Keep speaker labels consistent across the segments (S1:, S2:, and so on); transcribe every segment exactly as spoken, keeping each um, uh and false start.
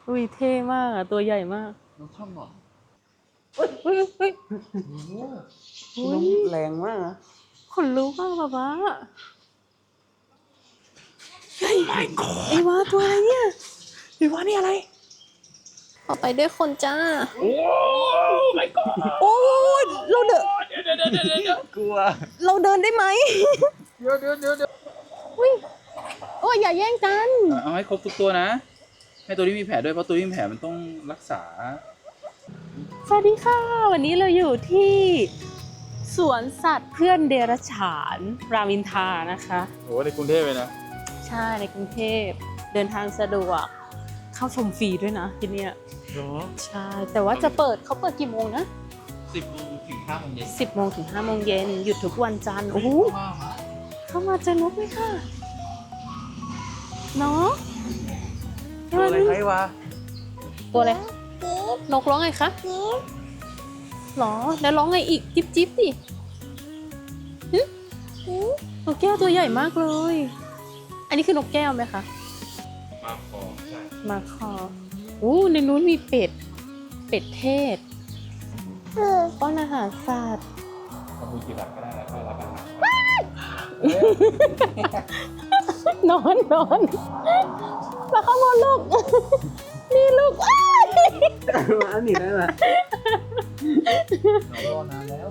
S1: อุ้ยเท่มากอ่ะตัวใหญ่มาก
S2: น้องชอบหนอน
S1: เฮ้ยเฮ้ยเฮ้ย
S2: น้องแรงมากนะ
S1: ขนลุกมากป๊าป๊าเฮ้ยไอ้วาตัวอะไรเนี่ยไอ้วานี่อะไรออกไปด้วยคนจ้าโอ้ my god โอ้เราเดินเดี๋ยวเดี๋ยวเดี๋ยวเดี๋ยว
S2: กลัว
S1: เราเดินได้ไหม
S2: เดี๋ยวเดี๋ยวเดี๋ยวเดี๋ยว
S1: อุ้ยโอ้ยอย่าแย่งกัน
S2: เอาให้ครบทุกตัวนะให้ตัวที่มีแผลด้วยเพราะตัวที่มีแผลมันต้องรักษา
S1: สวัสดีค่ะวันนี้เราอยู่ที่สวนสัตว์เพื่อนเดรัจฉานรามอินทรานะคะ
S2: โอ้ในกรุงเทพเลยนะ
S1: ใช่ในกรุงเทพเดินทางสะดวกเข้าชมฟรีด้วยนะที่นี่ใช่แต่ว่าจะเปิดเขาเปิดกี่โมงนะ
S2: สิบโมงถึงห้าโมงเย็น
S1: สิบโมงถึงห้าโมงเย็นหยุดทุกวันจันทร์โอ้โหเข้ามาเจอนกไหมค่ะเนาะ
S2: ตัวอะไรใครวะ
S1: ตัวอะไรนกร้องไงคะหรอแล้วร้องไงอีกจิ๊บจิ๊บดินกแก้วตัวใหญ่มากเลยอันนี้คือนกแก้วไหมคะ
S2: มาคอใช่
S1: มาคออู้ในนู้นมีเป็ดเป็ดเทศป้อนอาหารสัตว์
S2: ทำบุญกี่บาทก็ได้แล้วก็รับอาหาร
S1: นอนนอนมาข้างบนลูกนี่ลูก
S2: มาหนีได้ไหมรอนานแล้ว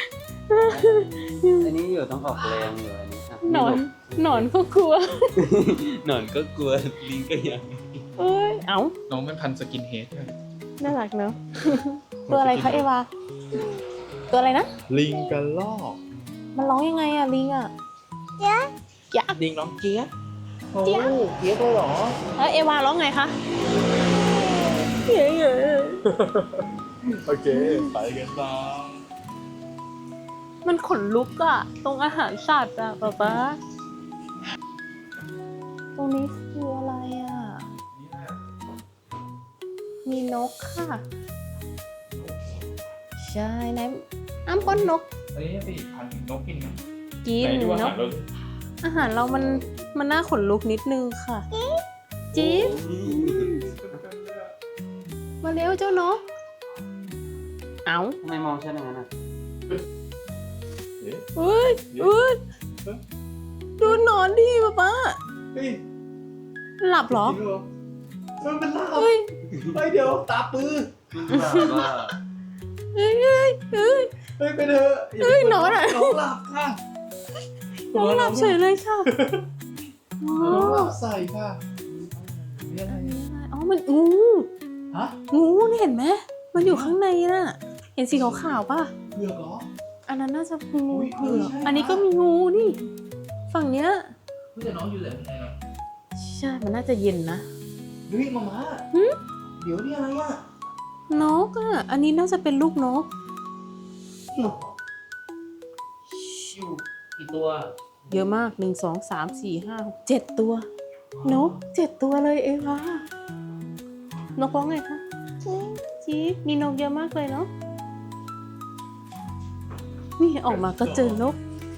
S2: อันนี้อยู่ต้องออกแรงอยู่อันนี้
S1: หนอนหนอนก็กลัว
S2: หนอนก็กลัวลิงก็ยัง
S1: เอ้ยเอ้า
S2: น้องเป็นพันสกินเฮด
S1: น่ารักเนอะตัวอะไรคะเอวาตัวอะไรนะ
S2: ลิงกระรอก
S1: มันร้องยังไงอะลิงอะเจี๊ยบเจี๊ยบ
S2: ลิงร้องเจี๊ยบเจี๊ยบเจี๊ยบเลยเหรอ
S1: แล้วเอวาร้องไงคะเย้เย้
S2: โอเคไปกันต่อ
S1: มันขนลุกอะตรงอาหารสัตว์อะป๊าป๊าตรงนี้คืออะไรอะมีนกค่ะใช่ไหนอ้ำป้อนนก
S2: อันนี้ไปพันนกกินไหม
S1: กินเนาะอาหารเรามันมันน่าขนลุกนิดนึงค่ะจิ๊บมาเร็วเจ้านกเอ้า
S2: ทำไมมองฉันอย่างนั้นอ่ะ
S1: เฮ้ยเฮ้ยดูนอนดิป๊าป๊าหลับเหรอ
S2: มันเป็นหลับเฮ้ยเดี๋ยวตาปื้อ
S1: เฮ้ยเฮ้ยเฮ้ย
S2: เฮ้ยไปเถอะ
S1: เฮ้ยนอนอ่ะ
S2: น้องหลับค่ะ
S1: น้องหลับเฉยเลยค่ะ
S2: น้องหลับใส่ค่ะนี่อะไร
S1: อ๋อมันงู
S2: ฮะ
S1: งูนี่เห็นไหมมันอยู่ข้างในน่ะเห็นสีขาวๆป่ะ
S2: เผือกเหรอ
S1: อันนั้นน่าจะงูเผือกอันนี้ก็มีงูนี่ฝั่งเนี้ย
S2: พี่จะน้องอยู่เลยไงนะ
S1: ใช่มันน่าจะเย็นนะ
S2: เฮ้ยมาม่าเดี๋ยวนี่อะไรอ่ะ
S1: นกอ่ะอันนี้น่าจะเป็นลูกนก
S2: อยู่กี่ตัว
S1: เยอะมากหนึ่งสองสามสี่ห้าหกเจ็ดตัวนกเจ็ดตัวเลยเอวานกร้องไงคะจี๊ดมีนกเยอะมากเลยเนาะนี่ออกมาก็เจอนก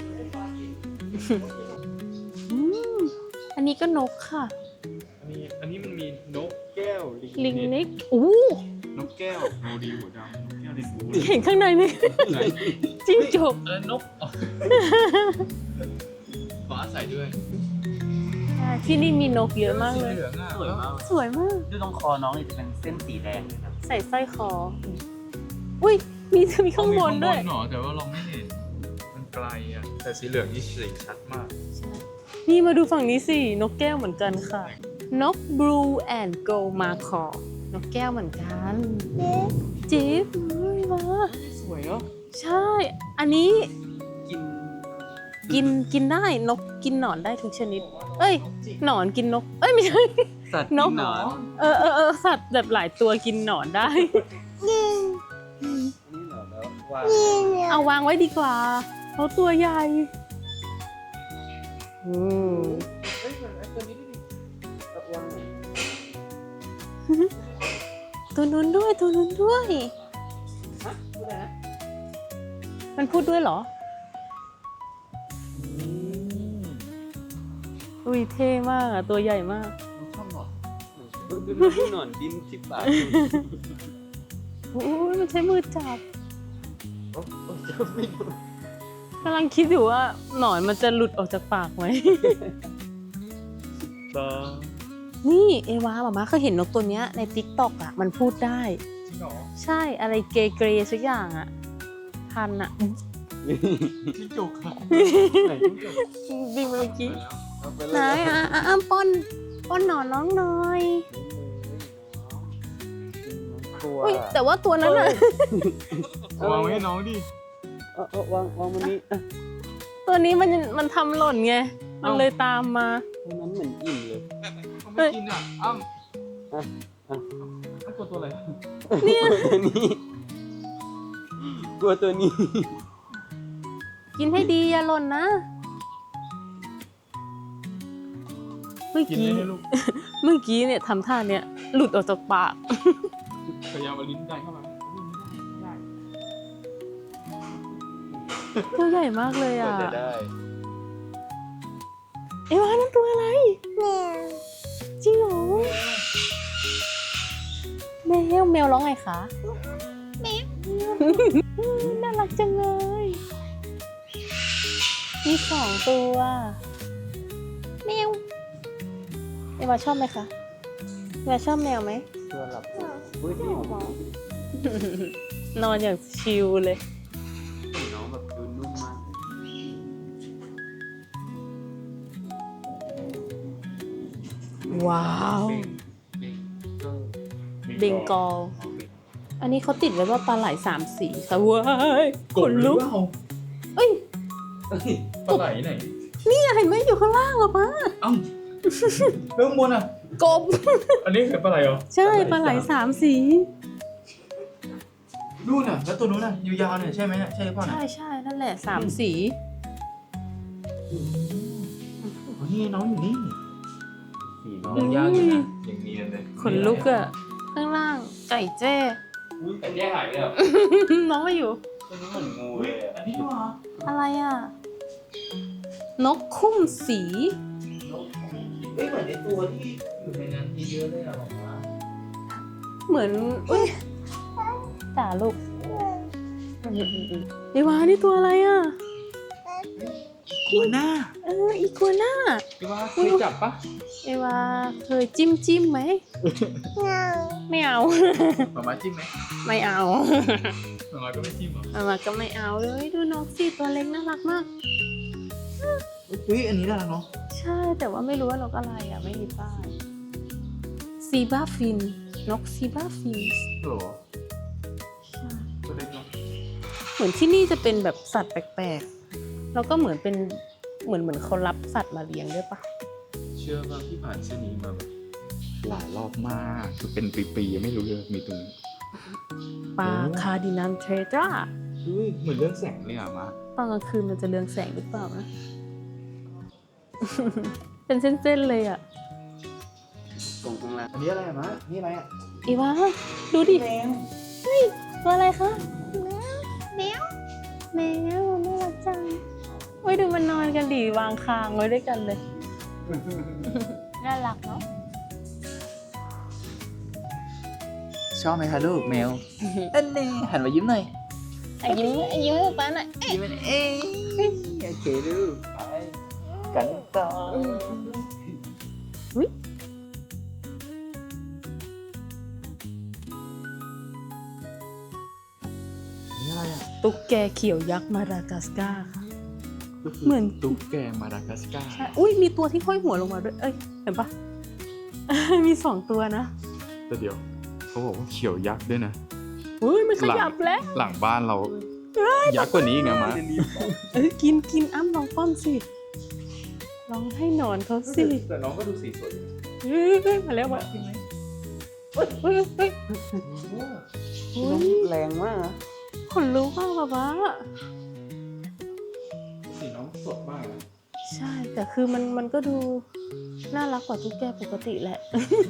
S1: อันนี้ก็นกค่ะ
S2: อันนี้อันนี้มันมีนกแก้ว
S1: ลิงนิกอู้
S2: นกแก้วโมดีหัวดำนกแก้วลิงบู
S1: เห็นข้างในไหมจิ้งจก
S2: เออนกขออาศัยด้วย
S1: ที่นี่มีนกเยอะมากเลย
S2: สวยมาก
S1: สวยมาก
S2: ดูตรงคอน้องจะเป็นเส้นสีแดงเลยครับ
S1: ใส่สร้อยคออุ้ยมีมีข้างบนด้วย
S2: หนอแต่ว่าเราไม่เห็นมันไกลอ่ะแต่สีเหลืองนี่สีชัดมาก
S1: นี่มาดูฝั่งนี้สินกแก้วเหมือนกันค่ะนก Blue and Gold Macaw นกแก้วเหมือนกันจิ๊บมา
S2: สวยเนาะ
S1: ใช่อันนี้กินกินกินได้นกกินหนอนได้ทุกชนิดเอ้ยหนอนกินนกเอ้ยไม่ใช่
S2: สัตว์กินหนอน
S1: เออเออเออสัตว์แบบหลายตัวกินหนอนได้เอาวางไว้ดีกว่าเขาตัวใหญ่อืมตัวนู้นด้วยตัวนู้นด้วยมันพูดด้วยเหรออุ้ยเท่มากอ่ะตัวใหญ่มาก
S2: ชอบหนอน
S3: ดูหนอนดิ้นที่ปาก
S1: โอ้ยมันใช้มือจับ
S3: โอ้โอ้จะไม่ดู
S1: กำลังคิดอยู่ว่าหนอนมันจะหลุดออกจากปากไหม
S2: ตา
S1: นี่เอวาหมามาเคยเห็นนกตัวเนี้ยในติ๊กต็อกอ่ะมันพูดได้
S2: จริงเหรอ
S1: ใช่อะไรเกย์เกรย์สักอย่างอ่ะทันอ่ะ
S2: จิ้งจกค่ะ
S3: ไหนจิ้งจก
S1: บิงเมื่อกี้
S3: เอาไป
S1: ไหน
S3: เลย
S1: อ่ะอ่ะอ้ำป้อนป้อนหนอนน้องหน่อย
S3: กลัว
S1: อุ้ยแต่ว่าตัวนั้นอ่ะ
S2: วางไว้ให้น้องดิ
S3: เอาเอาวางวางมันนี้อ่ะ
S1: ตัวนี้มันมันทำหล่นไง มันเลยตามมา
S3: ตัวนั้นเหมือนอิ่มเลย
S2: เขาไม่กินอ่ะอ้ำ
S3: อ่ะอ่ะ
S2: อ้ำกลัวตัวอะไร
S1: เนี่ย
S3: ตัวนี้กลัวตัวนี้
S1: กินให้ดีอย่าหล่นนะ เมื่อ
S2: กิน
S1: กี้
S2: ได้ไหมลูก
S1: เมื่อกี้เนี่ยทำท่าเนี่ยหลุดออกจากปาก
S2: พยายามเอาลิ้นดันเข้ามาไม่ได้
S1: ตัวใหญ่มากเลย
S3: กว่า
S1: อ่ะ
S3: จะได้
S1: เอวานั่นตัวอะไรจริงเหรอแมวแมวร้องไงคะแมวน่ารักจังเลยมีสองตัวแมวเอวาชอบไหมคะเอวาชอบแมวไหม
S3: ตัวหลับอุ้ยนี่
S1: นอนอย่างชิลเลย
S3: น้องแบบดูนุ่มมาก
S1: ว้าว เบงกอล อันนี้เขาติดไว้ว่าปลาไหลสามสีค่ะเว้ยขนลุกเอ้ย
S2: ปลาไหลไหน
S1: นี่เห็นไหมอยู่ข้างล่างอะป้า
S2: อ้ำเรื่องบนอ่ะ
S1: กบ
S2: อันนี้คือปลาไหลเหรอ
S1: ใช่ปลาไหลสามสี
S2: นู่นน่ะแล้วตัวนู้นน่ะยาวๆเนี่ยใช่ไหมเนี่ยใช่หรือเปล่าน่ะ
S1: ใช่ใช่นั่นแหละสามสี
S2: อ๋อนี่ไงน้องอยู่นี่
S3: สีน้อง
S2: น้องยากอยู่นะอย่างเนียนเลย
S1: ขนลุกอะข้างล่างไก่แจ้
S3: อุ้ยอันนี้หายเลยเหรอ
S1: น้องมาอยู่
S3: ตัวนี้เหมือนงู
S2: อุ้
S3: เลย ยอ่ะ
S2: อันนี้ด้วยเหรอ
S1: อะไรอะนกคุ้มสี
S2: เอ้ยเหมือนในตัวที่อยู่ในนั้นเยอะเลยอ่ะหรอวะ
S1: เหมือนอุ้ยจ่าลูกเอวานี่ตัวอะไรอะ
S2: กัวหน้า
S1: เอออีกัวน่า
S2: พี่ว่าเคยจับปะ
S1: เอวาเคยจิ้มจิ้มไหมไม่เอา
S2: หมามาจิ้มไหม
S1: ไม่เอา
S2: หมามาก็ไม่จิ้มเหรอ
S1: เอามาก็ไม่เอาเลยดูนกสิตัวเล็กน่ารักมาก
S2: อุ้ยอันนี้น่ารักเนาะ
S1: ใช่แต่ว่าไม่รู้ว่านกอะไรอ่ะไม่มีป้ายซีบาฟินนกซีบาฟิน
S2: หรอตัวเล็กเนาะ
S1: เหมือนที่นี่จะเป็นแบบสัตว์แปลกๆแล้วก็เหมือนเป็นเหมือนเหมือนเขารับสัตว์มาเลี้ยงด้วยปะ
S2: เชื่อว่าพี่ผ่านเส้นนี้มาแบบหลายรอบมากคือเป็นปีๆยังไม่รู้เลยมีตรงนี้
S1: ปลาคาร์ดินันเทรจ้า
S2: อุ้ยเหมือนเรื่องแสงเลยอ่ะมา
S1: ตอนกลางคืนมันจะเรืองแสงหรือเปล่านะ เป็นเส้นๆเลยอ่ะ
S3: ตรงข้างล่าง
S2: อันนี้อะไรอะมะนี่อะไรอ่ะ
S1: อีวาดูดิ
S2: แมว
S1: ตัวอะไรคะแมวแมวแมวน่ารักจังโอ้ยดูมันนอนกันดิวางคางไว้ด้วยกันเลย น่ารักเนาะ
S2: ชอบไหมคะลูกแมวอันนี้หันมายิ้มหน่อย
S1: อ่ะยิ้มยิ้มให้ป้าหน่อย
S2: ยิ้มเอ้ยโอเคลูกไปกันต่อ
S1: อุ๊ย
S2: นี่อะไรอ่ะ
S1: ตุ๊กแกเขียวยักษ์มาดากัสการ์ค่ะ เหมือน
S2: ตุ๊กแกมาดากัสการ์
S1: ใช่อุ้ยมีตัวที่ห้อยหัวลงมาด้วย เอ้ย เห็นปะ มีสองตัวนะ
S2: แต่เดี๋ยวเขาบอกว่าเขียวยักษ์ด้วยนะ
S1: อุ้ยมันขยับแล้ว
S2: หลังบ้านเรายักษ์กว่านี้อีกนะมะ
S1: เอ้ยกินกินอ้ำลองป้อนสิลองให้หนอนเขาสิ
S2: แต่น้องก็ดูสีสวยอยู่
S1: เฮ้ยเฮ้ยมาแล้วมาเฮ้ยเฮ้ยเฮ้ยเฮ้ยเฮ้ย
S3: แรงมากนะ
S1: ขนลุกมากป๊าป๊า
S2: สีน้องสดมากนะ
S1: ใช่ แต่คือมันมันก็ดูน่ารักกว่าตุ๊กแกปกติแหละ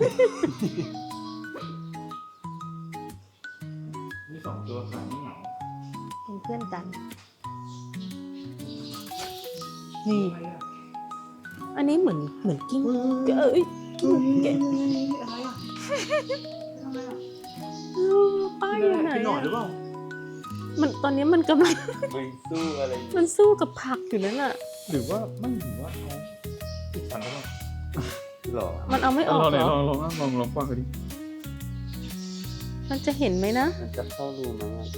S2: มีสองตัวขาไม่เหงา
S1: เป็นเพื่อนกัน นี่
S2: อะไรอ่ะ
S1: อันนี้เหมือนเหมือนกิ้งเอ้ยกิ้งแกะ
S2: อะไรอ่ะ
S1: ป้าอยู่ไหน
S2: กินหนอนหรือเปล่า
S1: มันตอนนี้มันกำลัง
S3: มึงสู้อะไร
S1: มันสู้กับผักอยู่นั่นน่ะ
S2: หรือว่าไม่หรือว่าเขาติดฟันหรือเปล่า
S3: หรอ
S1: มันเอาไม่ออก
S2: ลอง
S1: เหรอ
S2: ลองลองลองลองฟังกันดิ
S1: มันจะเห็นไหมนะ
S3: มันจะเข้ารูมั้งอ่ะ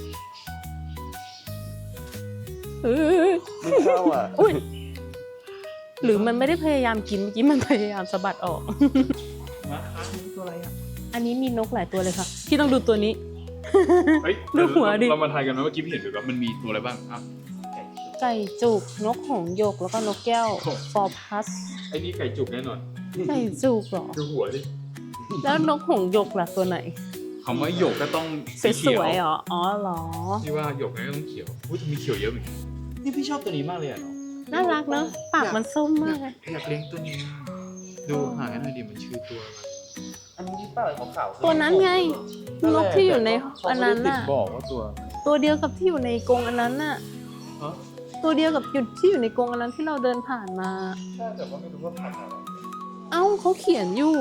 S1: เออ
S3: ไม่เข้าอ่ะ
S1: อุ้ยหรือมันไม่ได้พยายามกินเมื่อกี้มันพยายามสะบัดออก
S2: นะคะนี่ตัวอะไรอ่ะ
S1: อันนี้มีนกหลายตัวเลยค่ะพี่ต้องดูตัวนี้
S2: เฮ้ย
S1: ดูหัวดิ
S2: เรามาทายกันไหมเมื่อกี้พี่เห็นแบบว่ามันมีตัวอะไรบ้างอ่ะ
S1: ไก่จุกนกหงส์หยกแล้วก็นกแก้ว
S2: โอ้
S1: ฟอร์พัส
S2: ไอ้นี่ไก่จุกแน่นอน
S1: ไก่จุกเหรอ
S2: ดูหัวดิ
S1: แล้วนกหงส์หยกล่ะตัวไหน
S2: คำว่าหยกก็ต้อง
S1: ส
S2: สีเขียว
S1: วยๆเหรออ๋อเหรอ
S2: ที่ว่าหยกก็ต้องเขียวอุ้ยมีเขียวเยอะเหมือนกันนี่พี่ชอบตัวนี้มากเลยอ่ะเนาะ
S1: น่ารักเนอะปากมันส้มมากเลย
S2: อยากเลี้ยงตัวนี้ดูหากันหน่อยดิมันชื่อตัวอะไร
S3: อันนี้ที่เปล่าขาวๆ
S1: ตัวนั้นไงนกที่อยู่ในอันนั้น
S2: ติด
S1: น่ะ
S2: บอกว่าตัว
S1: ตัวเดียวกับที่อยู่ในกรงอันนั้นน่ะ
S2: ฮะ
S1: ตัวเดียวกับหยุดที่อยู่ในกรงอันนั้นที่เราเดินผ่านมา
S2: ใช่แต่ว่าไม่รู้ว่าพันธุ์อะไร
S1: เอ้าเขาเขียนอยู่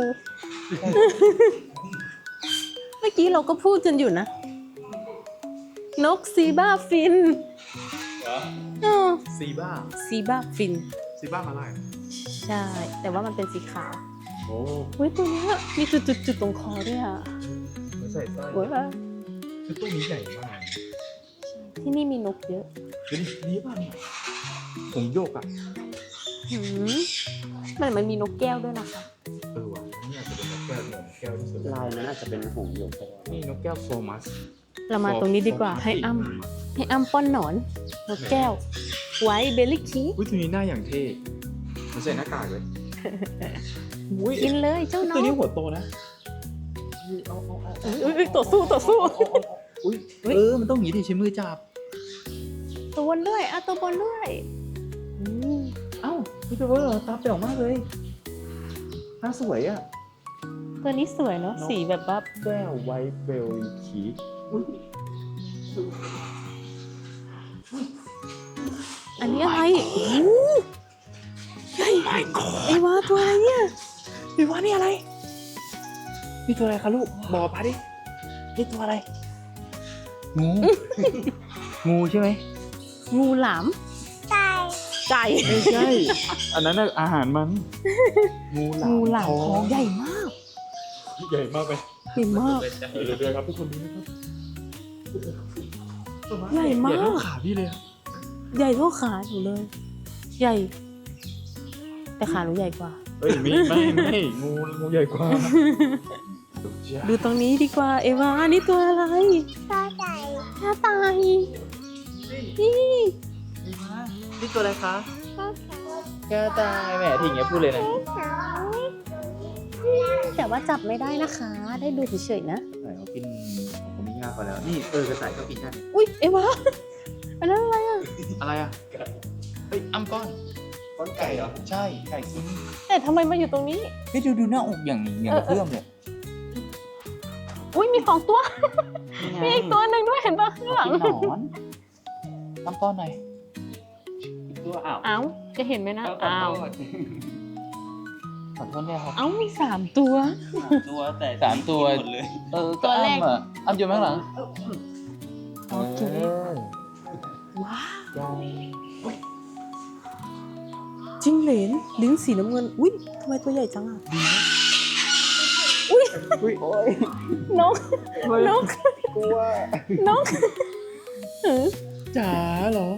S1: เมื่อกี้เราก็พูดกันอยู่นะ นกซีบ้าฟิน
S2: เหรอ
S1: เออ
S2: ซีบ้า
S1: ซีบ้าฟิน
S2: ซีบ้ามาลาย
S1: ใช่ แต่ว่ามันเป็นสีขาว
S2: โอ้
S1: เฮ้ยตัวเนี้ยมีจุดๆๆตรงคอด้วยอ่ะ
S2: มันใส่ไส้
S1: เว้ย
S2: คือตัวนี้ใหญ่มาก
S1: ที่นี่มีนกเยอะ
S2: ดูดินี่ป่ะเนี่ยผมโยกอ่ะ
S1: หืมมันมันมีนกแก้วด้วยนะคะ
S2: เออว่ะนี่อาจจะเป็นนกแก้วเนี่ยแก้วที่สุด
S3: ลายนั้นอาจจะเป็นหงส์หยกก็ได้
S2: นี่นกแก้วโฟมัส
S1: เรามาตรงนี้ดีกว่าให้อ้ำให้อ้ำป้อนหนอนนกแก้ว ไว้เบลลี่คี
S2: อุ้ยตัวนี้หน้าอย่างเท่มันใส่หน้ากากเลยอุ้ย
S1: กินเลยเจ้าน้อ
S2: ตัว
S1: ง
S2: นี้หัวโตนะเอาเอาเอา
S1: เอ้ยเอ้ยต่อสู้ต่อสู้
S2: อุ้ยเออมันต้องหนีดิใช้มือจับ
S1: ตัวบนด้วยอ่ะตัวบนด้วยอืม
S2: เอ้าพี่ตัวเวอร์ตาเปล่งมากเลยหน้าสวยอ่ะ
S1: ตัวนี้สวยเนาะสีแบบว่า
S2: แก้วไวท์เบลลี่คีก
S1: อันนี้อะไรโอ้โหใหญ่ไอ้วาตัวอะไรเนี่ย
S2: ไอ้วะนี่อะไร นี่ตัวอะไรคะลูก บอกป้าดิ นี่ตัวอะไร งู งูใช่ไหม
S1: งูหลามไก่ไก่
S2: ไม่ใช่ อันนั้นน่ะอาหารมัน งูหลาม
S1: งูหลาม
S2: ทอง
S1: ท้องใหญ่มาก
S2: ใหญ่มากไป
S1: ใหญ่มาก
S2: เดี๋ยวเดี๋ยวครับทุกคนดูนะครับ
S1: ใหญ่มาก
S2: ใหญ่เท่าขาพี่เลยอะ
S1: ใหญ่เท่าขาหนูเลย ใหญ่ แต่ขาหนูใหญ่กว่า
S2: เฮ้ยไม่ไม่ไม่งูงูใหญ่กว่า
S1: ดูตรงนี้ดีกว่า เอวานี่ตัวอะไร
S4: กระต่าย
S1: หน้าตายนี่
S2: นี่ตัวอะไรคะ
S4: กระต่าย
S2: แก้วตายแหมทีอย่างเงี้ยพูดเลยนะ
S4: สาว
S1: แต่ว่าจับไม่ได้นะคะ ได้ดูเฉยๆนะ
S2: ไหนเขากินของผมไม่ยากกว่าแล้ว นี่เออกระต่ายก็กินได้
S1: อุ้ยเอวาอันนั้นอะไรอ่ะ
S2: อะไรอ่ะ เฮ้ยอ้ำก้อน
S3: ก้อนไก่เหรอ
S2: ใช่ ไก่กิน
S1: แต่ทำไมมาอยู่ตรงนี้
S2: เฮ้ยดูดูหน้าอกอย่างอย่างเพื่อมเลย
S1: อุ้ยมีสองตัว มีอีกตัวหนึ่งด้วยเห็นปะข้างหลัง
S2: กินหนอนอ้ำก้อนหน่อย
S3: ตัวอ้าว
S1: เอ้าจะเห็นไหมนะ
S3: อ้า
S1: อ้าว ว
S2: ขอโทษเนี่ยครับ
S1: เอ้ามีสามตัว
S3: ตัวแต่
S2: สามตัว
S3: หมดเลย
S2: เออ
S1: ตัวแรก
S2: อ้ำอ่ะอ้ำอยู่ข้างหลัง
S1: โอเค
S2: อ
S1: ว้าว
S2: ใหญ่
S1: จิ้งเหลนลิ้นสีน้ำเงิน อุ้ยทำไมตัวใหญ่จังอ่ะอุ้ย
S2: อุ้ยโอ้ย
S1: นก นก
S2: กลัวน
S1: กเออ
S2: จ๋าเหรอ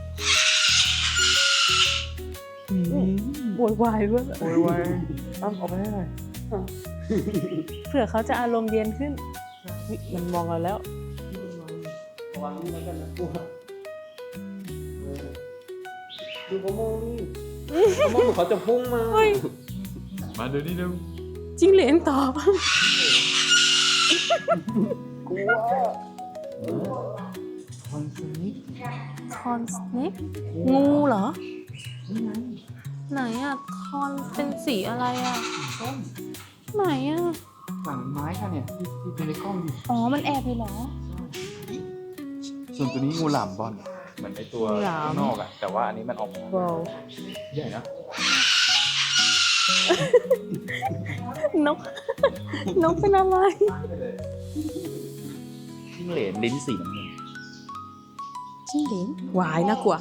S2: อืม
S1: โวยวายด้วย
S2: โวยวายอ้ำเอาไปให้หน่อย
S1: เผื่อเขาจะอารมณ์เย็นขึ้นอุ๊ยมันมองเราแล้ว
S3: ระวังนี่แล้วกันนะกลัวดูเขามองนี่เขามองเหมือนเขาจะพุ่งมา
S1: เฮ้ย
S2: มาดูนี่เร็ว
S1: จิ้งเหลนตอบ
S3: กลัว
S2: คอนสนิก
S1: คอนสเน็กงูเหรอ ไหนอ่ะ คอนเป็นสีอะไรอ่ะ ไหนอ่ะ
S2: ฝั่งไม้ค่ะเนี่ยที่ที่เป็นในกล้องดิ
S1: อ๋อ มันแอบเลยเหรอ
S2: ส่วนตัวนี้งูหลามบอลเหมือนไอตัว
S1: งูหลาม
S2: ข้างนอกอะแต่ว่าอันนี้มันออกมา
S1: ว้าว
S2: ใหญ่นะ
S1: นกนกเป็นอะไร
S2: จิ้งเหลนลิ้นสีน้ำเงิน
S1: จิ้งเหลนวายน่ากลัว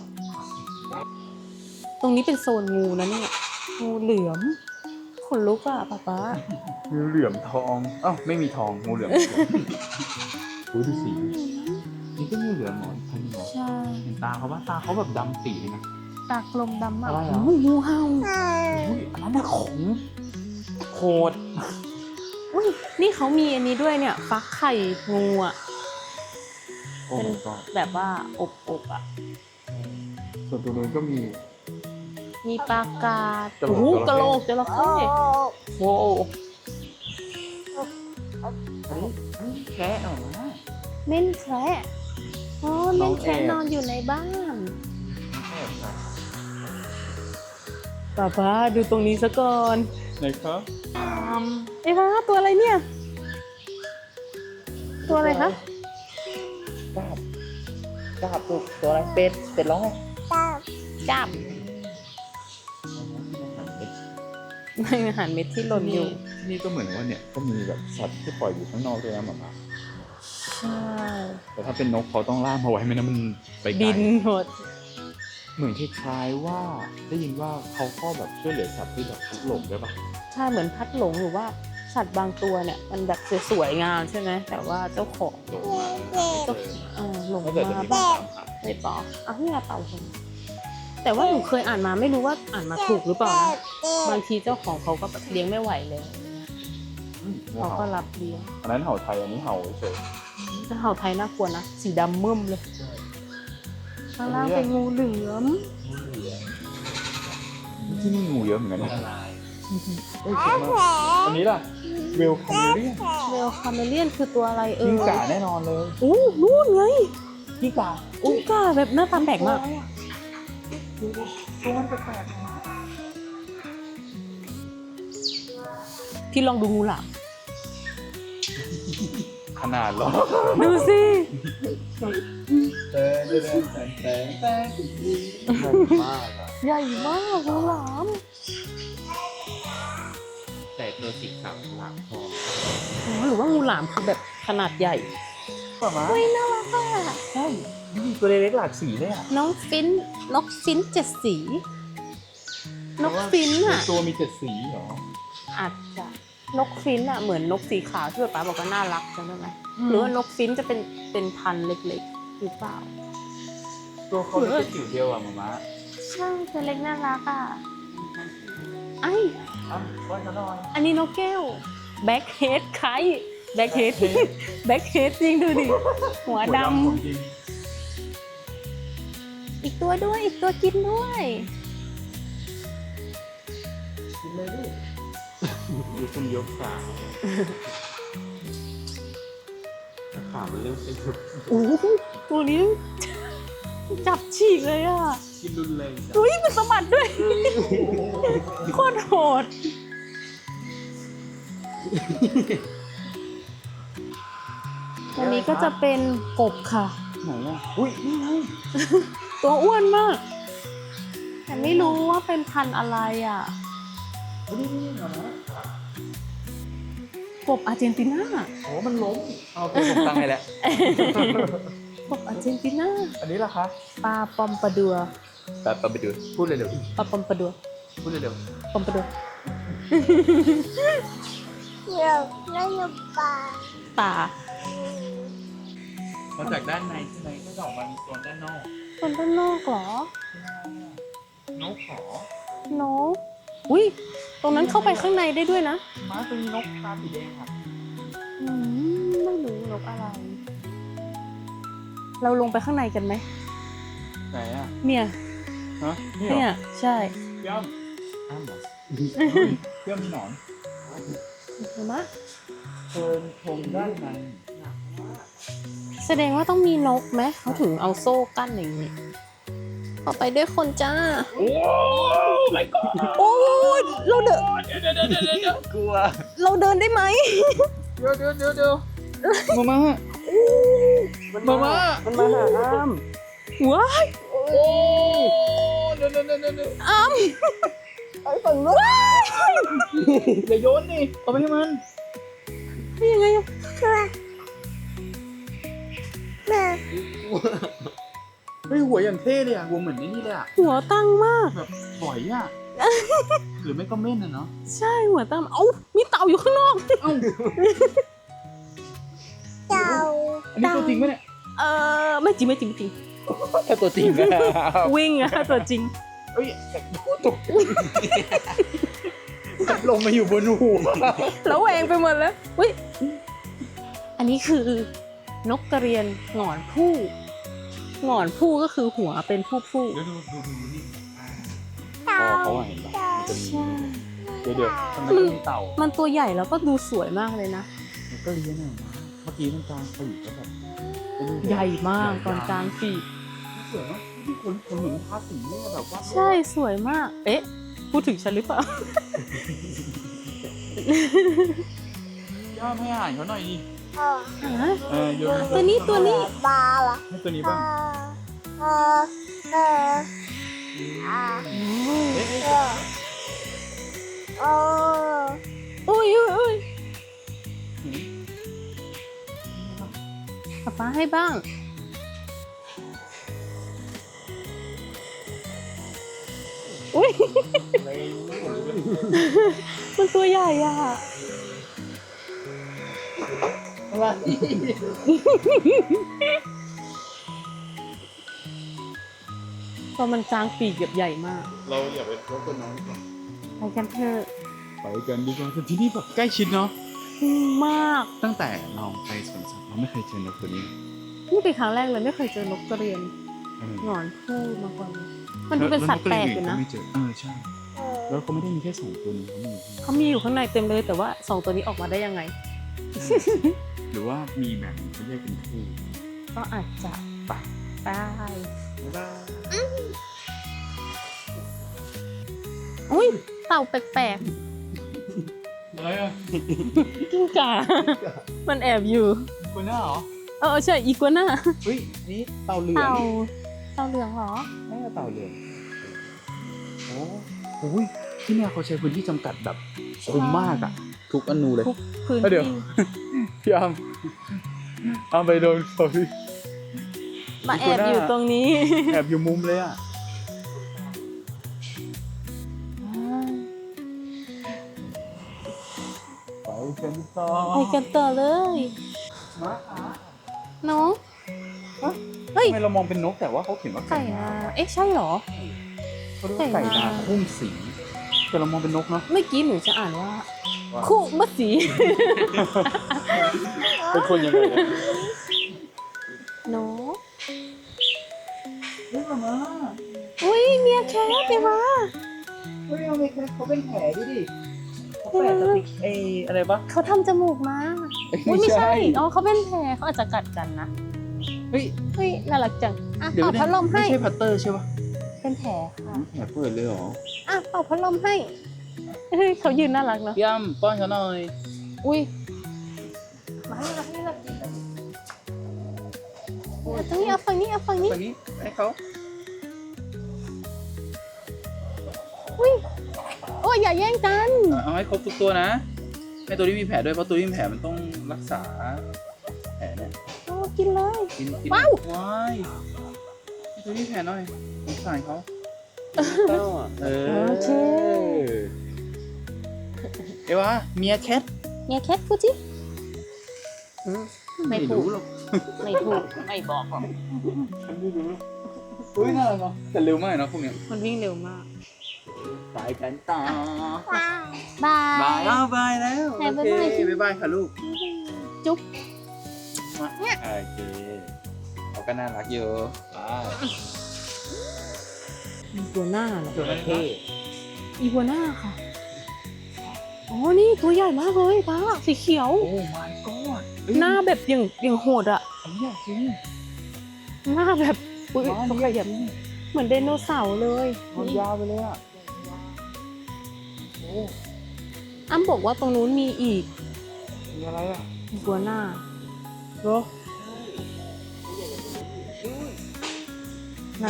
S1: ตรงนี้เป็นโซนงูนะเนี่ยงูเหลือมขนลุกอ่ะป๊าป๊า
S2: งูเหลือมทองอ้าวไม่มีทองงูเหลือมดูดูสีนี่ก็งูเหลือมหมอนพันหมอ
S1: ใช่
S2: เห็นตาเขาว่าตาเขาแบบดำปีเลยนะ
S1: ตากลมดำมาก
S2: อะไรเหรอ
S1: โอ้ยงูเห่า
S2: อุ้ยอันนั้นน่ะขงโคตร
S1: อุ้ยนี่เขามีอันนี้ด้วยเนี่ยฟักไข่งูอ่ะ
S2: โอ้
S1: เป็น
S2: ก็
S1: แบบว่าอบอบๆอ่ะ
S2: ส่วนตัวนู้นก็มี
S1: มีปลากาด
S2: กระโหลก
S1: โอ้โหกระโหลกจระ
S4: โอ้
S1: เข้โว้ว
S2: อันนี้แค่ออกมา
S1: เม่นแคระอ๋อ
S2: น้
S1: เม่
S2: อน ง
S1: แคระ
S2: แอบ
S1: นอนอยู่ในบ้าน
S2: แค่ค่ะ
S1: ป้าป้าดูตรงนี้ซะก่อน
S2: ไหนครับ
S1: เอ้ยป้าตัวอะไรเนี่ย ตัวอะไรคะ
S2: กาบกาบตัวตัวอะไรเป็ดเป็ดร้องไง
S4: ตา
S1: จับไม่อาหารเม็ดที่หล่นอยู่
S2: ที่นี่ก็เหมือนว่าเนี่ยก็มีแบบสัตว์ที่ปล่อยอยู่ข้างนอกด้วยนะหมา
S1: ใช่
S2: แต่ถ้าเป็นนกเขาต้องล่ามเอาไว้ไม่นั้นมันไปไกล
S1: บินหมด
S2: เหมือนคล้ายๆว่าได้ยินว่าเขาก็แบบช่วยเหลือสัตว์ที่แบบทุกข์หลงด้วยปะ
S1: ใช่เหมือนพัดหลงหรือว่าสัตว์บางตัวเนี่ย มันแบบสวยๆงามใช่ไหมแต่ว่าเจ้าของ
S2: หลงมา
S4: เด็ก
S1: เจ้าเออหลง
S2: ถ้าเกิดจะ
S1: มา
S2: มีคน
S1: บ้าง
S2: ตามหา
S1: ไม่ปออ่ะนี่ไงเต่าคนแต่ว่าหนูเคยอ่านมาไม่รู้ว่าอ่านมาถูกหรือเปล่านะบางทีเจ้าของเขาก็แบบเลี้ยงไม่ไหวเลย
S2: อืมงู
S1: เขาก็
S2: เห่า
S1: รับเลี้ยง
S2: อันนั้นเห่าไทยอันนี้เห่าเฉย
S1: จะเห่าไทยน่ากลัวนะสีดำมึมเลยข้างล่างเป็นงูเหลือม
S2: ที่นี่งูเยอะเหมือนกันนะเอ้ย
S4: แผ
S2: เจ๋ง
S4: ล
S2: มากอันนี้ล่ะเวลคอมเรียน
S1: เวลคาเมเลียนคือตัวอะไรเอ่
S2: กิ้
S1: ย
S2: งก่าแน่นอนเลย
S1: อู้นู่นไง
S2: กิ้งก่า
S1: อุ้งกาแบบหน้าตาแปลกมาก
S2: ตัวมันแปลก
S1: พี่ลองดูงูหลาม
S2: ๆขนาดเหรอ
S1: ดูสิ
S3: แต่แต่แต่แต่แต่มากอ่ะ
S1: ใหญ่มากงูหลาม
S3: แต่ตัวสีขาวหลังทอง
S1: อ๋อหรือว่างูหลามคือแบบขนาดใหญ่
S2: ป่ะมา
S1: เฮ้ยน่ารักอ่ะ
S2: ใช่นี่ตัวเล็กๆหลากสีเลยอ่ะ
S1: น้องฟินนกฟินเจ็ดสี นกฟินอ่ะ
S2: ตัวมีเจ็ดสีเหรอ
S1: อาจจะนกฟินอ่ะเหมือนนกสีขาวที่ป๊าบอกว่าน่ารักจำได้ไหมหรือว่านกฟินจะเป็นเป็นพันธุ์เล็กๆหรือเปล่า
S2: ตัวเขาจะเป็นจิ๋วเดียวอ่ะมาม่า
S1: ใช่ตัวเล็กน่ารักอ่ะไอ
S2: อ้าวว่าจะหน่อย
S1: อันนี้นกแก้วแบ็คเฮดไคแบ็คเฮดแบ็คเฮดจริงดูดิหัวด
S2: ของจริง
S1: ำอีกตัวด้วยอีกตัวกินด้วย
S3: กินเลยดิ
S2: ดูคุณยกขา
S3: ขามันเริ่มเป็นแบบ
S1: โอ้โหตัวนี้ จับฉีกเลยอ่ะ
S3: กินรุนแรงจัง
S1: อุ้ยมันสะบัดด้วย โคตรโหด อันนี้ก็จะเป็นกบค่ะ
S2: ไหนอ่ะอุ้ยนี่ไง
S1: ตัวอ้วนมาก แต่ไม่รู้ว่าเป็นพันธุ์อะไรอ่ะ
S2: นี่นี่เหรอนะ
S1: กบอาร์เจนตินา
S2: โอ้มันล้มเอาตัวผมตั้งให้แล้ว
S1: กบอาร์เจนตินา
S2: อันนี้ล่ะคะ
S1: ปลาปอมปลาดัว
S2: แบบไปดูพูดเร็ว
S1: ปลาปอมปลาดัว
S2: ๆพูดเร็ว
S1: ปอมปลาดัว
S4: เดี๋ยวไม่ยอมปลา
S1: ป่า
S2: ๆมาจากด้านในใช่ไหมก็จะออกมามีโซนด้านนอก
S1: คนด้านนอกเหรอ
S2: นกขอ
S1: นกอุ้ยตรงนั้นเข้าไปข้างในได้ด้วยนะ
S2: ม้าเป็นนกตาสีแดงครับ
S1: อืมไม่รู้นกอะไร เราลงไปข้างในกันไหม
S2: ไหนอ่ะ
S1: เนี่ย
S2: ฮะนี่เหร
S1: เนี่
S2: อย
S1: ใช่
S2: เยี่ยมอ้ามเหรอเยี่ยมมีหนอน
S1: เห็นไหม
S2: เชิญชมด้านใน
S1: แสดงว่าต้องมีนกไหมเขาถึงเอาโซ่กั้นอย่างนี้ออกไปด้วยคนจ้า
S2: โอ้ไม่กอด
S1: โอ้ยเราเดิน
S2: เดี๋ยวเดี๋ยวเดี๋ยวเดี๋ยวกลัว
S1: เราเดินได้ไหม
S2: เดี๋ยวเดี๋ยวเดี๋ยวเดี๋ยวมามามามา
S3: มันมาหาอ้าม
S1: ว้าย
S2: โอ้เดี๋ยวเดี๋ยวเดี๋ยวเดี๋ยว
S1: อ้ำ
S3: ไอ้ฝั่งนู้น
S2: อย่าโยนนี่เอาไปให้มัน
S1: นี่ยังไงอะ
S4: แม่
S2: เฮ้ยหัวอย่างเท่เลยอ่ะหัวเหมือนนี่เลยอ่ะ
S1: หัวตั้งมาก
S2: แบบปล่อยอ่ะ หรือไม่ก็เม่นอะเนาะ
S1: ใช่หัวตั้งเอ้ามีเต่าอยู่ข้างนอก
S2: เอ้า
S4: เต่า
S2: อันนี้ตัวจริงไหมเนี่ย
S1: เออไม่จริงไม่จริงไม่จริง
S2: แค่ตัวจริงนะ
S1: วิ่งอะตัวจริง
S2: เฮ้ยตกลงมาอยู่บนหัว
S1: แล้วแหวงไปหมดแล้วอุ้ยอันนี้คือนกกระเรียนหงอนผู้หงอนผู้ก็คือหัวเป็นผู้ผู้
S2: เดี๋ยวดูดูดูนี่
S4: เต่า
S2: คอเขาอะเห็นปะมันจะมี
S1: ใช่
S2: เดี๋ยวเดี๋ยวทำไมต้องมีเต่า
S1: มันตัวใหญ่แล้วก็ดูสวยมากเลยนะ
S2: มันก็เลี้ยงอะเมื่อกี้มันกลางปีกก็แบบ
S1: ใหญ่มากตอนกลางปีก
S2: สวยมากที่คนคนเหมือนทาสีเนี่ยแบบว่า
S1: ใช่สวยมาก เอ๊ะ พูดถึงฉันหรือเปล่า
S2: ย่าให้อาหารเขาหน่อยดิ
S4: เออ
S1: ฮะ
S2: เออโยน
S1: ตัวนี้ตัวนี้
S4: ปลาเหรอ
S2: ให้ตัวนี้
S4: เอ
S2: บ้าง
S4: อเออเอออ่า
S2: เอ๊ะ
S4: เออโอ้
S1: อุ้ยอุ้ยอุ้ยป๊าป๊าให้บ้าง อุ้ย มันตัวใหญ่อะ
S2: อะไร
S1: ตอนมันกลางปีกแบบใหญ่มาก
S2: เราอย่าไปรบกวนน้องดีกว่า
S1: ไปกันเถอะ
S2: ไปกันดีกว่าแต่ที่นี่แบบใกล้ชิดเนาะ
S1: มาก
S2: ตั้งแต่เราไปสวนสัตว์เราไม่เคยเจอนกตัวนี้
S1: นี่เป็นครั้งแรกเลยไม่เคยเจอนกกระเรียน
S2: เออ
S1: หงอนผู้มาก่อนเลยมันดูเป็นสัตว์แปลกอยู่นะ
S2: แล้วไม่เจอเออใช่
S4: เออ
S2: แล้วเขาไม่ได้มีแค่สองตัวนี้เขามี
S1: เขามีอยู่ข้างในเต็มเลยแต่ว่าสองตัวนี้ออกมาได้ยังไง
S2: หรือว่ามีแบบเขาเรียกเป็นคู่
S1: ก็อาจจะปะได้
S2: บ๊ายบาย
S1: อุ้ยเต่าแปลก
S2: อะไรอ่ะ
S1: ๆกิ้งก่า มันแอบอยู่
S2: คนหน้าเหรอ
S1: เออใช่อีกัวน่า
S2: เฮ้ยนี่เต่าเหลือง
S1: เต่าเต่าเหลืองเหรอ
S2: ไม่ใช่เต่าเหลืองโอ้โหที่เนี่ยเขาใช้พื้นที่จำกัดแบบคุ้มมากอ่ะ ทุกอนูเลย
S1: ทุกพื้น
S2: เดี๋ยว
S1: ที่
S2: พี่อามอามไปโดนเขาพี่
S1: มาแอบอยู่ตรงนี้
S2: แอบอยู่มุมเลยอ่ะ ไปกันต่อ
S1: ไปกันต่อเลย
S2: มาขา
S1: น้อง
S2: ฮะ
S1: เฮ้ย
S2: ทำไมเรามองเป็นนกแต่ว่าเขาเขียนว่า
S1: ไก่นาเอ๊ะใช่เหรอ
S2: เขาเรียกว่าไก่
S1: ไก่
S2: นา
S1: นา
S2: คุ้มสีแต่เรามองเป็นนกเนาะ
S1: เมื่อกี้หนูจะอ่านว่า คู่มัดสี
S2: เป็นคนยังไงเนี่ย
S1: น้อง
S2: เฮ้ยมามา
S1: อุ้ยเมียแคทไปมา
S2: เฮ้ยเอาไปแค่เขาเป็นแผลดิดิเขาแปะสติ๊กเออะไรปะ
S1: เขาทำจมูกมาอุ้ยไม่ใช่อ๋อเขาเป็นแผลเขาอาจจะกัดกันนะ
S2: เฮ้ย
S1: เฮ้ยน่ารักจังอ่ะ
S2: เดี๋ยว
S1: เป่าพัดลมให้
S2: ไม่ใช่พัตเตอร์ใช่ปะ
S1: เป็นแผลค่ะ
S2: แผลเปิดเลยเหรอ
S1: อ่ะเป่าพัดลมให้เฮ้ยเขายืนน่ารักเนาะ
S2: พี่อ้ำป้อนเขาหน่อย
S1: อุ้ยมาให้เราให้เรากินอ่ะตรงนี้เอาฝั่งนี้เอาฝั่งนี้
S2: ฝั่งนี้ให้เขา
S1: อุ้ยโอ้ยอย่าแย่งกัน
S2: เอาให้ครบทุกตัวนะให้ตัวที่มีแผลด้วยเพราะตัวที่มีแผลมันต้องรักษาแผลเนี่ย
S1: เอากินเลย
S2: กินกิน
S1: ว้าว
S2: ว้ายให้ตัวที่มีแผลหน่อยสงสารเขาเออ
S1: โอเค
S2: เอวาเมียแคท
S1: เนี่ยแคทพูดสิอืมไม่ถูก
S2: หรอก
S1: ไม่ถูกไม่บอกหรอก
S2: ฉันไม่รู้เฮ้ยน่ารักเนาะแต่เร็วมากเนาะพวกเนี้ย
S1: มันวิ่งเร็วมาก
S2: ไปกันต่อ
S4: ว้าว
S1: บา
S2: บาย
S1: ย
S2: แล้วบายแล้ว
S1: ไหน
S2: โอ
S1: บ๊าย
S2: เค
S1: บายสิ
S2: บ๊ายบายค่ะลูก
S1: จุ๊บ
S2: โอเคเขาก็น่ารักอยู่บาย
S1: อีกัวน่าเหรอ
S2: จระเข้
S1: อีกัวน่าค่ะ อ๋อ นี่ตัวใหญ่มากเลยป้าสีเขียว
S2: โอ้ my god
S1: หน้าแบบอย่างอย่างโหดอะ
S2: ไอ้เนี่ยจริง
S1: หน้าแบบอุ้ย
S2: ว้าว
S1: เขาขยับเหมือนไดโนเสาร์เลย
S2: มันยาวไปเลยอ่ะโอ้
S1: อ้ำบอกว่าตรงนู้นมีอีก
S2: มีอะไรอ่ะ
S1: อีกัวน่า
S2: เหรอ
S1: ไหน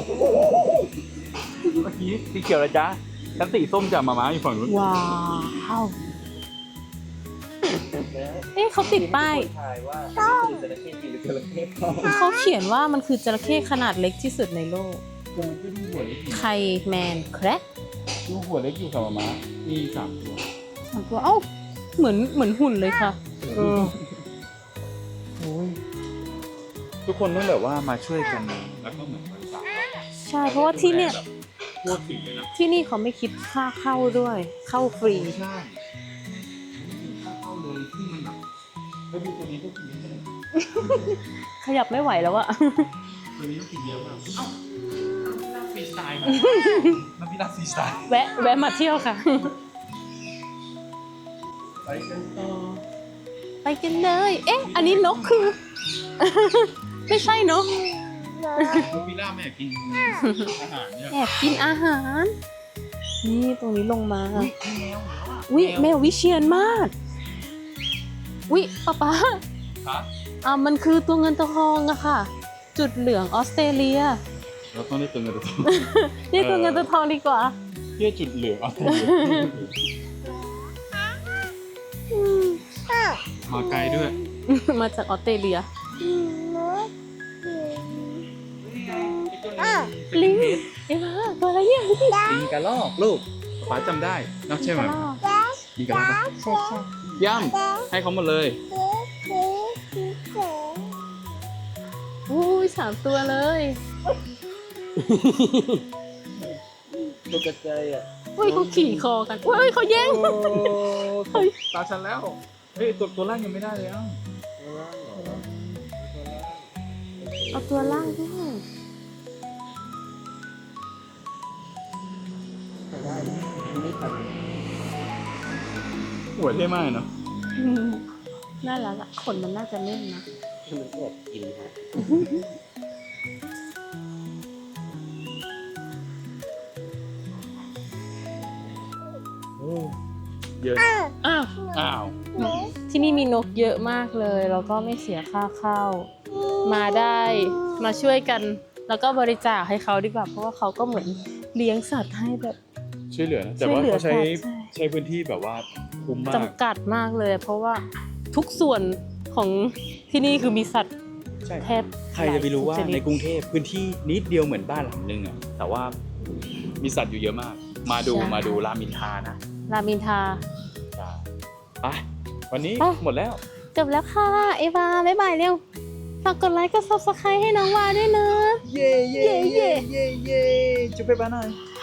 S2: เมื่อกี้สีเขียวแล้วจ้ะชั้นสีส้มจะมาม้าอยู่ฝั่งนู้น
S1: ว้าวเอ๊ะเขาติดป้าย
S3: ถ่ายว่าจระเข้จริงหรือจระเข้ปลอม
S1: เขาเขียนว่ามันคือจระเข้ขนาดเล็กที่สุดในโลก
S2: ตัวมันก็ดูหัวเล็กอยู่
S1: ไคแมนแคระ
S2: ดูหัวเล็กอยู่ค่ะมาม้ามีสามตัว
S1: สามตัวเอ้าเหมือนเหมือนหุ่นเลยค่ะ
S2: เออโอ้ยทุกคนต้องแบบว่ามาช่วยกันแล้วก็เหมือนกันสาม
S1: ใช่เพราะว่าที่เนี่ย
S2: ทั่วถึงเลยนะ
S1: ที่นี่เขาไม่คิดค่าเข้าด้วย เข้าฟรี
S2: ไม่ใช่ค่าเข้าเลยที่มันแบบแล้วดูตัวนี้ก็กินเยอะเลย
S1: ขยับไม่ไหวแล้วอะ
S2: ตัวนี้ก็กินเยอะมากเอ้าน้ำฟรีสไตล์น้ำพิราบฟรีสไตล์
S1: แวะแวะมาเที่ยวค่ะ
S2: ไปกันต่อ
S1: ไปกันเลย เอ๊ะ อันนี้นกคือ ไม่ใช่นก
S2: น้ำพิราบไม่อยากกินอาหารเนี่ย
S1: แอบกินอาหาร นี่ตรงนี้ลงมา
S2: อุ้ยแมวเหรอ
S1: อุ้ยแมววิเชียนมาก อุ้ยป๊าป๊า
S2: ฮะ
S1: อ่ามันคือตัวเงินตัวทองอะค่ะ จุดเหลืองออสเตรเลีย
S2: เราต้องได้ตัวเงินตัวทอง
S1: เรียกตัวเงินตัวทองดีกว่า
S2: เพื่อจุดเหลืองออสเตรเลียมาไกลด้วย
S1: มาจากออสเตรเลีย ลิง เอ็มมาตัวอะไรเนี่ย
S2: ลิงกระรอกลูกป๋าจำได้เนอะใช่ไหมลิงกระรอกปะ
S1: ใช่ใช่
S2: ย่ำให้เขาหมดเลย
S1: อุ้ยสามตัวเลย
S3: ตกใจอ่ะ
S1: อุ้ยเขาขี่คอกันอุ้ยเขาแย่ง
S2: โอ้ตาฉันแล้ว เฮ้ยตัวตัวล่างยังไม่ได้เลยอ่ะ
S1: เอาตัวล่างด้วย
S2: หัวเท่มากเนาะ
S1: อืมน่ารักอะขนมันน่าจะเล่นนะ
S3: มันแอบกินฮะ
S2: เยอะ
S1: อ้าว
S2: อ้าว
S1: ที่นี่มีนกเยอะมากเลยแล้วก็ไม่เสียค่าเข้า มาได้มาช่วยกัน แล้วก็บริจาคให้เขาดีกว่า เพราะว่าเขาก็เหมือนเลี้ยงสัตว์ให้แบบ
S2: ช่วยเหลือนะแต่ว่า
S1: ช่วยเหลือ
S2: เขาใช้
S1: สัตว์ใช่
S2: ใช้พื้นที่แบบว่าคุ้มมาก
S1: จำกัดมากเลย เพราะว่าทุกส่วนของที่นี่คือมีสัตว์
S2: ใช่
S1: แทบ
S2: ใครจะไปรู้ว่า
S1: หลยชด
S2: ในกรุงเทพพื้นที่นิดเดียวเหมือนบ้านหลังนึงอ่ะแต่ว่ามีสัตว์อยู่เยอะมาก มาดูมาดูรามอินทรานะ
S1: รามอินทรา
S2: ใช่ไปวันนี้
S1: ไป
S2: หมดแล้ว
S1: จบแล้วค่ะ เอวาบ๊ายบายเร็ว ฝากกดไลค์กด ซับสไครบ์ ให้น้องวาด้วยนะ
S2: เย่เย่
S1: เย่
S2: เย่เย่เย่จุ๊บไปบ้านหน่อย